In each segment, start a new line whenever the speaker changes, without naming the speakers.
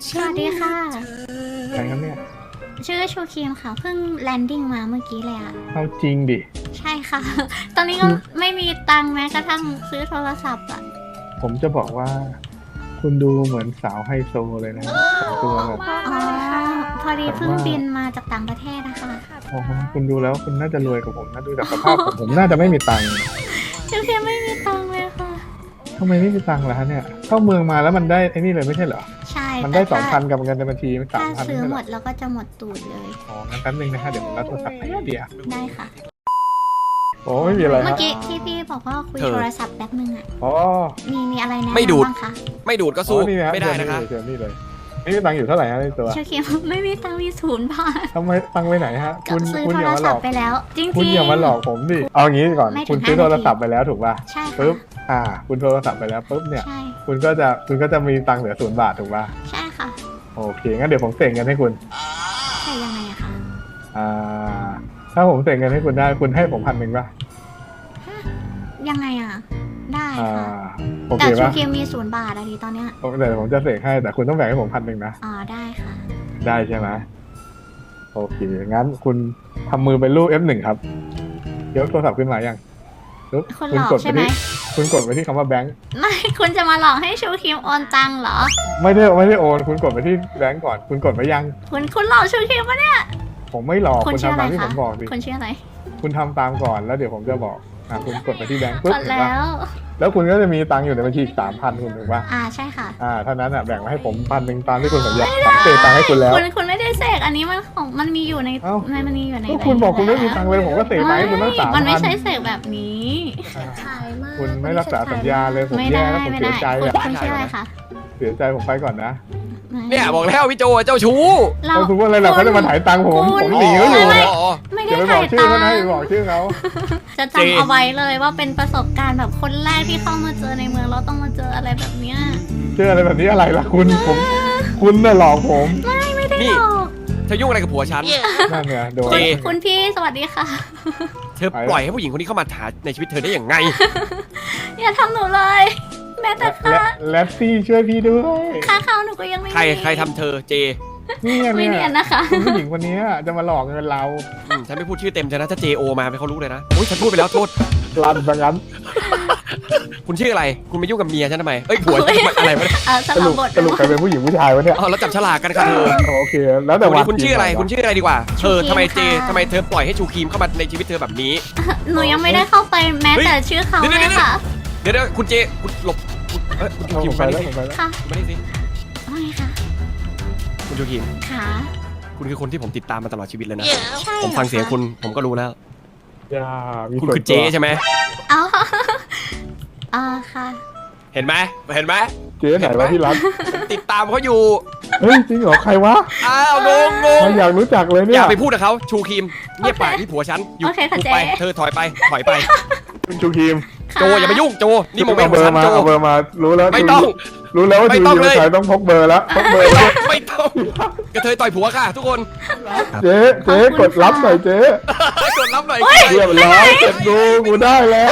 สวัสดีค่ะ
ใครครับเนี่ย
ชื่อชูครีมค่ะ เพิ่งแลนดิ้งมาเมื่อกี้เลยอะ
เอาจริงดิ
ใช่ค่ะ ตอนนี้ก็ไม่มีตังค์แม้กระทั่งซื้อโทรศัพท์อะ
ผมจะบอกว่า คุณดูเหมือนสาวไฮโซเลยนะแต่งตัวแบบ
อ๋อ พอดีเพิ่งบินมาจากต่างประเทศนะคะ
โอ้โหคุณดูแล้วคุณน่าจะรวยกว่าผมนะดูจากสภาพผมน่าจะไม่มีตังค์
ชูครีมไม่มีตังค์เลยค่ะ
ทำไมไม่มีตังค์ล่ะฮะเนี่ยเข้าเมืองมาแล้วมันได้ไอ้นี่เลยไม่ใช่เหรอ
ใช่
มันได้
แต่ถ้า
2,000กับเงินในบัญชีมัน
ถ้า
3,000
ซื้อ
ไม่ใช่
ห
เห
ม
รอ
ดแล้วก็จะหมดตูดเลย
อ๋องั้นแป๊บนึงนะฮะเดี๋ยวผมรับโทรศัพท์ให้เดี๋ยว
ได้ค่ะ
โอ้ไม่มีอะไร
เมื่อ
ฮะ
กี้ที่พี่บอกว่าคุยโทรศัพท์แป๊บนึงอะ
อ๋อ
มีอะไรแนะนำ
ไม่ดูด
บ้างคะ
ไม่ดูดก็สู้
นี่นะ
ไม่ได้นะคะ
เจอนี่เลยนี่ตังค์อยู่เท่าไหร่ฮะในตัว
ชูครีมไม่มีตังค์มี0 บาท
ทำไมตังค์ไปไหนฮะ
ก็
คุณ
ซื้อ
คุณ
โท
อย่าร มาหล
ศั
อ
พ
ก
ท์ไปแล้วจริงๆ
คุณอย่ามาหลอกผมดิเอางี้ก่อน
ไม่ถึง
คุณซื้อ
5
โทรศัพท์ไปแล้วถูกป่ะ
ใช่ค่ะ
ปุ๊บคุณโทรศัพท์ไปแล้วปุ๊บเนี่ย
ใช่
คุณก็จะมีตังค์เหลือ0 บาทถูกป่ะ
ใช่ค่ะ
โอเคงั้นเดี๋ยวผมเสกเงินให้คุณ
ใช่ยังไงอะคะ
อ่าถ้าผมเสกเงินให้คุณได้คุณให้ผม1,000ป่ะ
ยังไงอะได้
อ่า
ค่ะ
โอ
แต่
เค
ชู
ป่ะ
ครีมมี0 บาทอะดีตอนเนี้ย
เดี๋ยวผมจะเสกให้แต่คุณต้องแบ่งให้ผม1,000นะ
อ๋อได้ค่ะ
ได้ใช่ไหมโอเคงั้นคุณทำมือเป็นรูป F1 ครับยกโทรศัพท์ขึ้นมายังปุ๊บ
คุณหลอก
กด
ใช่
ไป
ไหม
ที่คุณกดไปที่คำว่าแบงค์
ไม่คุณจะมาหลอกให้ชูครีมโอนตังค์เหรอ
ไม่ได้โอนคุณกดไปที่แบงค์ก่อนคุณกดไปยัง
คุณหลอกชูครีมปะเนี่ย
ผมไม่หลอก
คุณ
คุณ
ชื่อ
ทำ
อะไร
ตามที่ผ
คะ
มบอกสิ
คุณชื่ออะไร
คุณทำตามก่อนแล้วเดี๋ยวผมจะบอกคุณกดไปที่แบงค์
ก
ปุ๊บ
ด
เห็น
แล้
ปะ
ว
แล้วคุณก็จะมีตังค์อยู่ในบัญชีอีก3,000คุณถูกปะ
ใช่ค่ะ
เท่านั้นแบ่งมาให้ผม1,000ตามที่คุณสัญญาผมเสกตังค์ให้คุณแล้ว
คุณไม่ได้เสกอันนี้มันของมันมีอยู่ใน
เอ้า
มันมีอยู่ใน
ก็คุณบอกคุณไม่มีตังค์เลยผมก็เสกตังค์ให้คุณตั้ง
มันไม่
3,000
ใช่เสกแบบนี้
คุณไม่รักษาสัญญาเลยผม
ไม่
แย่
ได้
แล้วผม
ไม่
เสี
ได้
ยใจ
คุณชื่ออะไรคะ
เสียใจผมไปก่อนนะ
เนี่ยบอกแล้วพี่โจเจ้าชู้
เรา
เขาทุกวันเลยเหรอเขาจะมาถ่ายตังค์ผม
คุณ
ผมหนีเขาอยู่เนี่ย
ไม่
อย่า
ได้
ไปบ
ถ่า
อก
ย
ชื่อ
ตัง
เขานะ
ค์
อย่าบอกชื่อเขา
จะจำเอาไว้เลยว่าเป็นประสบการณ์แบบคนแรกที่เข้ามาเจอในเมืองเราต้องมาเจออะไรแบบเนี้ย
เชื่ออะไรแบบนี้อะไรล่ะคุณคุณน่ะหลอกผม
ไม่ได้
นี่
หรอก
เธอยุ่งอะไรกับผัวฉัน
นั่นไงโดน
เจ
คุณพี่สวัสดีค่ะ
เธอปล่อยให้ผู้หญิงคนนี้เข้ามาหาในชีวิตเธอได้อย่างไง
อย่าทำหนูเลย แม้แต่ค่า
แลตซี่ช่วยพี่ด้วย
ค่าข้าวหนูก็ยังไม่มี
ใครทำเธอเจ
นี่
ไม่
เนี่
เนีย
ย
นนะคะ
คุณผู้หญิงคนนี้จะมาหลอกเงินเรา
ฉันไม่พูดชื่อเต็มเธอนะถ้า JO มาเขารู้เลยนะโอ้ยฉันพูดไปแล้วโทษ
รันซะงั้น
คุณชื่ออะไร คุณไปยุ่งกับเมียฉันทำไมเอ้ยผัวฉันอะไรวะเนี่ย
ส
ส
ลั
รุ
บ
ป
บท
สรุปใครเป็นผู้หญิงผู้ชายวะเนี่ย
อ๋อแล้วจับฉลากกันค่ะเธอ
โอเค แล้วแต่
วัน
วัน
นี้คุณชื่ออะไรคุณชื่ออะไรดีกว่าเธอ
ชูครีม
ทำไมเจ
ค่ะ
ทำไมเธอปล่อยให้ชูครีมเข้ามาในชีวิตเธอแบบนี้
หนูยังไม่ได้เข้าไปแม้แต่ชื่อเขาเลยค่ะ
เดี๋ยวคุณเจคุณหลบคุณชูครีม
ผมไป
มา
แล้ว
นี่
ผมไปแล้ว
ค่ะ
มานี่สิ
ว่าไงคะ
คุณชูครีม
ค่ะ
คุณคือคนที่ผมติดตามมาตลอดชีวิตเลยนะ
ใช่
ผมฟังเสียงคุณผมก็รู้แล้ว
อย่ามี
คุณ
ส่วน
คือเจ
ตัว
ใช่ไหม
อ๋อค่ะ
เห็นไหมเห็นไหม
เจ๊ไหนวะที่รัก
ผมติดตามเขาอยู่
เฮ้ยจริงเหรอใครวะ
อ้าวงง
ไม่อยากรู้จักเลยเนี่
อย ย่าไปพูดกับเขาชูครีมเงียบปาก
โอเค
นี่ผัวฉันอยู่
โอเคค่ะ
พูด
เจ๊
ไปเธอถอยไปถอยไป
คุณชูครีม
ค่ะ
โจอย่ามายุ่งโจนี่โมเมน
เอา
ต์
เบ
ข
อ
องฉันโจ
ร์มาเอาเบอร์มารู้แล้ว
ไม่ต้อง
รู้แล้วว่า
ไม่
ชู
ต้อง
ครีม
เลย
ชายต้องพกเบอร์แล้วพกเบอร์แล้ว
ไม่ต้องกระเทยต่อยผัวค่ะ ทุกคน
เจ๊กดรับหน่อยเจ๊
กดรับหน่อย
เรียบร้อยเสร็จกูได้แล้ว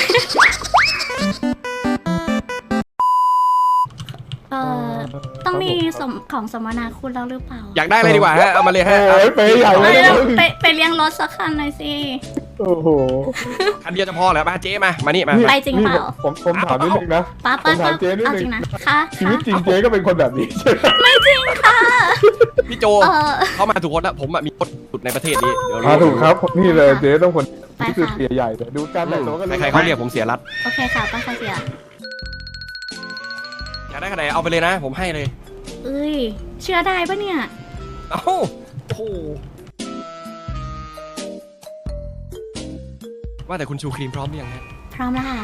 เออต้องมีของสมนาคุณแล้วหรือเปล่า
อยากได้อะไรดีกว่าฮะเอามาเลย
โอ้
ฮะ
ยไปใหญ่เล
เอ้
ย
ย
นะ
ไปเลี้ยงรถสักคันหน่อยสิ
โอ้โห
คันเดียวจะพอแล้วมาเจ๊มานี่มา
ไปจริงเปล่า
ผมถามนิดนึงนะ
ป้า
ผมถามเจ๊นิด
เอา
นึ
จริ
ง
งนะค่ะ
ชีวิตจริงเจ๊ก็เป็นคนแบบนี้ใช่ไหม
ไม่จริงค่ะ
พี่โจ
เออ
เขามาถูกคนแล้วผมมีรถสุดในประเทศนี้เดี๋ยว
ถูกครับนี่เลยเจ๊ต้องคน
ไป
ที่คือ
ค่ะ
เสียใหญ่แต่ดูการแต่งตัวก็รู้
ใครๆเขาเรียกผมเสียรัด
โอเคค่ะป้าคาเสีย
อยากได้ขนาดไหนเอาไปเลยนะ ผมให้เลย
เอ้ยเชื่อได้ปะเนี่ย
เอ้าโอ้โหว่าแต่คุณชูครีมพร้อมหรือยังฮะ
พร้อมแล้วค่ะ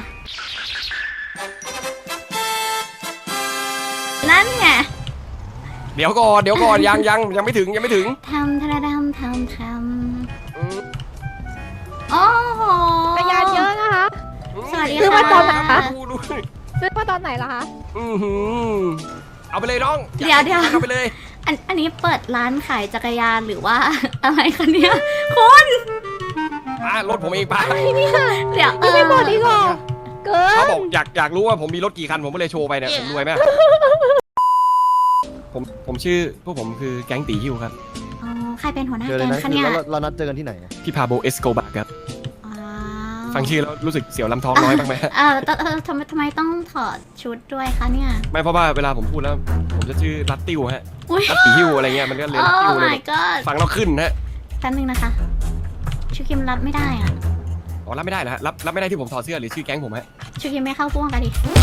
นั่นไง
เดี๋ยวก่อนยังไม่ถึง
ทำทะดำทำ
อืม
โอ้โห
จักรยานเยอะนะคะ
สวัสดี
ซื้อมาตอนไหน
ค่ะ
คะ
ดู
ซื้อมาตอนไหนล่ะคะ
อื้อหือเอาไปเลยน้อง
เดี๋ยว
เอาไปเลย
อันนี้เปิดร้านขายจักรยานหรือว่า อะไรคะเนี่ยคุณ
รถผมเองไป
เดี๋ยว
ยังไม่หมดอีกเหรอเกิ
เขา
น
บอกอยากรู้ว่าผมมีรถกี่คันผมก็เลยโชว์ไปเนี่ยผมรวยไหมผผมชื่อพวกผมคือแก๊งตีฮิวครับ
อ๋อใครเป็นหัวหน้า
เจอเล
แก๊
ย
ง
นะคะ
เนี่ย
แล้วเรานัดเจอกันที่ไหนอะ
พี่พาโบเอสโกบาครับ
อ๋อ
ฟังชื่อแล้วรู้สึกเสียวลำท้องน้อยบ้างไหมฮะ
ทำไมต้องถอดชุดด้วยคะเนี่ย
ไม่เพราะว่าเวลาผมพูดแล้ว ผมจะชื่อรัตติวฮะ
อุ้ย
รัตตีฮิวอะไรเงี้ยมันก็เลย
โอ้
รัตติวเลย
my god
ฟังเราขึ้นนะ
แป๊บนึงนะคะชูคิมรับไม่ได้อ่ะ
อ๋อรับไม่ได้เหรอฮะรับไม่ได้ที่ผมถอดเสื้อหรือชื่อแก๊งผมฮะ
ชูคิมไม่เข้าพ่วงกันดิ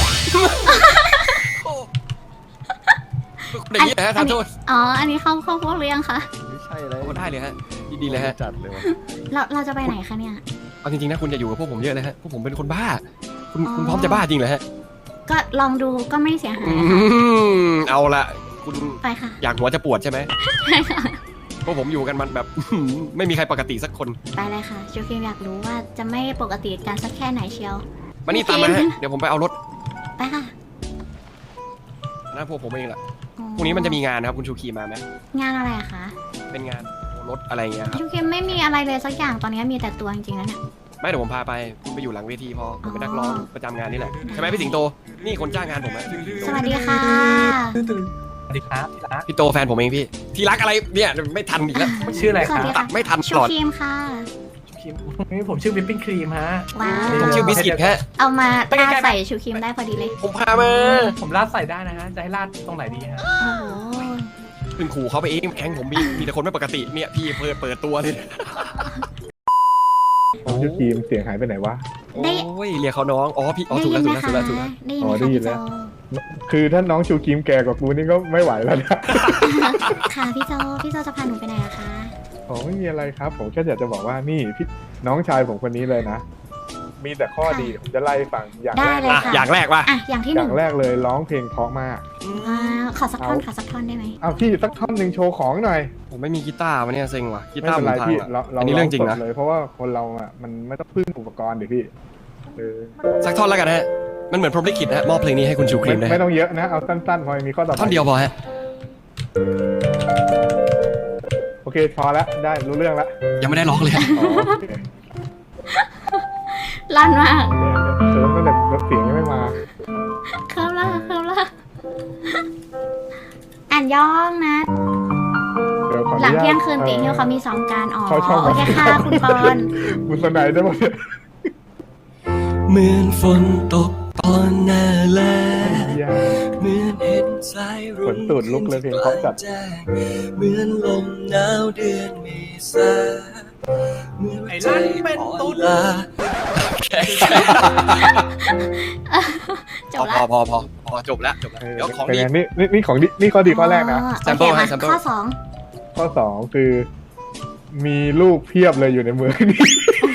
อย่างนี้นะฮะทานโทษ
อ๋ออันนี้เข้าพ่วงหรือยังคะ
ไม่ใช่เลย
โอ้ได้เลยฮะดีๆเลยฮะ
จัดเลยวะ
เราจะไปไหนคะเนี่ย
เอาจริงๆนะคุณอย่าอยู่กับพวกผมเยอะเลยฮะพวกผมเป็นคนบ้าคุณ
อ๋อ
คุณพร้อมจะบ้าจริงเหรอฮะ
ก็ลองดูก็ไม่เสียหาย
อื
นะคะ
มเอาละคุณ
ไปค่ะ
อยากหัวจะปวดใช่ไหม
ไปค่ะ
พวกผมอยู่กันมันแบบ ไม่มีใครปกติสักคน
ไปเลยค่ะชูคิมอยากรู้ว่าจะไม่ปกติกันสักแค่ไหนเชียว
มานี่ตามมาฮะเดี๋ยวผมไปเอารถ
ไปค่ะ
นะพวกผมเองแหละ
อ๋อ
พรุ่งนี้มันจะมีงานนะครับคุณชูคีมาไหม
งานอะไรอะคะ
เป็นงานรถอะไรเงี้ยครับ
ชูคิมไม่มีอะไรเลยสักอย่างตอนนี้มีแต่ตัวจริงๆแล้วเนี่ย
ไม่เดี๋ยวผมพาไปคุณไปอยู่หลังเวทีพอผมเป็นนักร้องประจำงานนี่แหละใช่ไหมพี่สิงโตนี่คนจ้างงานผมอะชื่อพี่สิงโต
สวัสดีค่ะ
สวัสดีครับที่รัก
พี่โตแฟนผมเองพี่ที่รักอะไรเนี่ยไม่ทันอีกแล้ว
ชื่ออะไร
ส
ค
วั
รั
ส
บ
ดี
ตั
ค่ะ
ดไม่ทันต
ชู
ลอด
คิมค่ะ
นี่ผมชื่อวิปปิ้งครีมฮะ
ว้าว
ผมชื่อบิสกิตฮะ
เอามา
ไปใกล้ๆ
ราดใส่ชูคิมได้พอดีเลย
ผมพามา
ผมราดใส่ได้นะฮะ จะให้ราดตรงไหนดีฮะ
โอ้โห
เพิ่งขู่เขาไปเองแก๊งผมมีแต่คนไม่ปกติเนี่ยพี่เปิดตัวเลย
ผมชื่อทีมเสียงหายไปไหนวะ
โอ้ยเรียกเขาน้องอ๋อพี่อ๋อ
ได้
ถูก
ยิ
แล้ว
น
ถู
ไหม
กแล้ว
คะ
ถูกแล้วถูกแล้ว
ได้ยิน
อ๋
ไหม
อได้
คะ
ยิ
พี่
น
โจ
แล้ว คือถ้าน้องชูกิมแก่กว่ากูนี่ก็ไม่ไหวแล้วนะ
ค่ะพี่โจจะพาหนูไปไหนอะคะ
ผมไม่มีอะไรครับ ผมแค่อยากจะบอกว่านี่พี่น้องชายผมคนนี้เลยนะ มีแต่ข้อดีผมจะไล่ให้ฟังอย่าง
ได้
แรก
เลย
อ่ะ
ค่ะ
อย่างแรกว่า
อ่ะอย่างที่
อ
หนึ่
ย่าง งแรกเลยร้องเพลงเพราะมาก
ขอสักท่อนได้ไหม
เอาพี่สักท่อนหนึ่งโชว์ของหน่อย
ผมไม่มีกีตาร์วันนี้เซ็งว่ะกี
ไม่
ตาร์
เป็น
ผม
ไร
พัง
พี่
ว่ะ
เรา
อันนี้เรื่องจริงนะ
สดเลยเพราะว่าคนเราอ่ะมันไม่ต้องพึ่งอุปกรณ์ดิพี่เออ
สักท่อนแล้วกันฮะมันเหมือนพรหมลิขิตนะฮะมอบเพลงนี้ให้คุณชูครีมนะ
ไม่
ฮะ
ต้องเยอะนะเอาสั้นๆพอมีข้อต่อไป
ท่อนเดียวพอฮะ
โอเคพอแล้วได้รู้เรื่องแล้ว
ยังไม่ได้ร้องเลยฮะ
อ๋อโอเค
ลั่นมาก
เคิร์ฟตั้งแต่เสียงยังไม่มา
เคิร์ฟละอ่านย่องนะ
เดี๋ยวขออ
หลัง
นุญาต
เที่ยงคืนตีเที่ยวเขามี2การอ๋อ
เขาชอบ
โอเคค่ะคุณปอน
คุณสนายได้หมดเนี่ย
เหมือนฝนตกตอนหน้าแล
เหี้ย
เหมือนเห็นสายรุ้
ขนตูดลุกเลยเพลงเพราะจัด
เหมือนลมหนาวเดือนเมษาเหมือน
ไอ้ลั่นเป็นตุ๊ด
จบละ
พอจบแล้วเดี๋ยวของ
เป็น
ดี
ไงนี่ของดีนี่ข้อดีข้อแรกนะ
โอเค
sample ให้
มา
sample
ข้อ
ข้อสองคือ มีลูกเพียบเลยอยู่ในเมืองนี้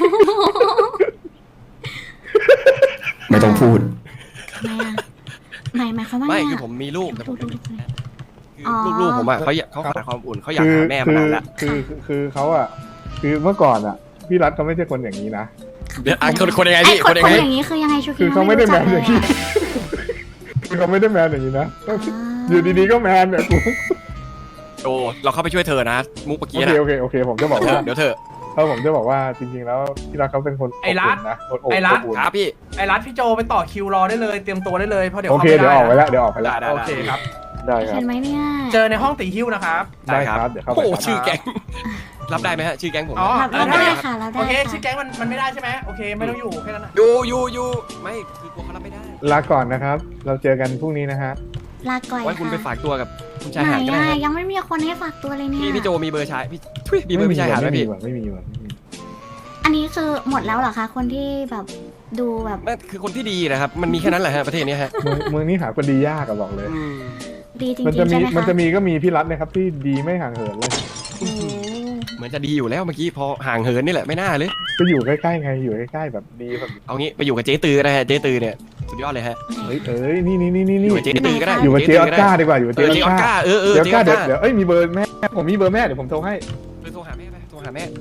ไม่ต้องพูด
2ทำไมอ่ะหมายความว่า
ไม่
ไง
คือ
อะ
ผมมีลูกแต่ผม
ดู
คือลูกๆผมอ่ะเขาขาดความอุ่นเขาอยาก
คือ
หาแม่มานานแล้ว
คือเขาอ่ะ คือเมื่อก่อนอ่ะ พี่รัฐเขาไม่ใช่คนอย่างนี้นะ
เดี๋ยวคนยังไง
ไอ้
พี่
คน
ยังไง
อย่างนี้คือยังไงชู
คือเขาไม่ได้แมนอย่างนี้
นี้
คือเขาไม่ได้แมนอย่างนี้นะ อยู่ดีๆก็แมนเนี่ยกู
โอ้เราเข้าไปช่วยเธอนะมุกเมื่อกี้
โอ
นะ
เคโอเคผมจะบอกว่า
เดี๋ยวเธอ
ผมจะบอกว่าจริงๆแล้วพี่รัฐเขาเป็นคน
ไอ้รัฐ
อบอุ่นนะคนอบ
ไอ้รัฐ
อุ่น
ครับพี่
ไอ้รัฐพี่โจไปต่อคิวรอได้เลย เตรียมตัวได้เลยเพราะเดี๋ยว
โอเค
เข้าไม่
เดี๋ยว
ได้
ออกไปแล้ว
ได้
โอเคครับ
ได้ครั
เห็
บ
นไหมเนี่ย
เจอในห้องตีฮิ้วนะครับ
ได้ครับเดี๋ยวเข้าไป
โอ้
ครับ
ชื่อแก๊งรับได้ไหมฮะชื่อแก๊งผม
อ๋อ
เราได้ค่ะเราได้
โอเค
ค่ะ
ชื่อแก๊งมันไม่ได้ใช่ไหมโอเคไม่ต้องอยู่แค่นั้นนะ
อยู่ไม่คือกลัวเขารับไม่ได้
ลาก่อนนะครับ เราเจอกันพรุ่งนี้นะฮะ
ลาก่อย
ไว้คุณไป
ค่ะ
ฝากตัวกับคุณชาย
ไหน
หาดก็ได้
อะ
ฮะ
ยังไม่มีคนให้ฝากตัวเลยเนี่ย
พี่โจมีเบอร์ชายพี่ทุยมีเบอร์พี่ชายหาดไหมพี่
ไม่มี
อันนี้คือหมดแล้วเหรอคะคนที่แบบดูแบบ
นั่นคือคนที่ดีนะครับมันมีแค่นั้นแหละฮะประเทศนี้ฮะ
เมืองนี้หาคนดียากอะบอกเลย
อืม
ดีจริง
มัน
ๆ
จะมี
ใช่ไหมคะ
มันจะมีก็มีพี่รัฐนะครับที่ดีไม่ห่างเหินเลย
โอ้โห
เหมือนจะดีอยู่แล้วเมื่อกี้พอห่างเหินนี่แหละไม่น่าเลย
ก็อยู่ใกล้ๆไงอยู่ใกล้ๆแบบดีแบบ
เอางี้ไปอยู่กับเจ๊ตือนะฮะเจ๊ตือเนี่ยสุดยอดเลยฮะ
เฮ้ยนี่
อยู่กับเจ๊ตือก็ได้
อยู่กับเจออสการ์ดีกว่าอยู่กับ
เจ
เจอ
อ
อส
ออส
การ์
การ์เออ
เจออส
เจ๊อ
กา
อ
ร์
สการ์
เดี๋ยวเอ้ยมีเบอร์แม่ผมมีเบอร์แม่เดี๋ยวผมโทรให้
โทรหาแม่ไปโทรหาแม่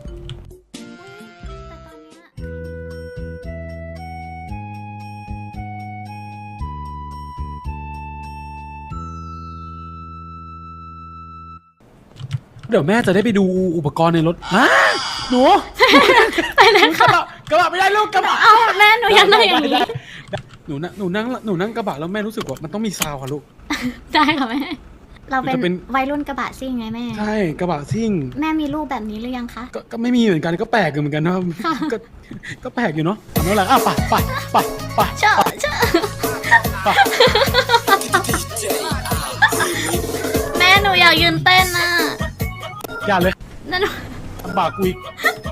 เดี๋ยวแม่จะได้ไปดูอุปกรณ์ในรถฮะหนู
ไปเลยค่ะ
กระบะไม่ได้ลูกกระบะ
เอาแม่หนูอยากนั่งอย่างนี้
หนูนั่งกระบะแล้วแม่รู้สึกว่ามันต้องมีซาวค่ะลูก
ได้ค่ะแม่เราเป็น
จะเป็น
วัยรุ่นกระบะซิ่งไงแม่
ใช่กระบะซิ่ง
แม่มีรูปแบบนี้หรือยังคะ
ก็ไม่มีเหมือนกันก็แปลกอยู่เหมือนกันนะก็ก็แปลกอยู่เนาะเอาแล้วแหละไป
เชื่อ แม่หนูอยากยืนเต้นน่ะ
อย่าเลย
นั่นหนู
ลำบากกูอีก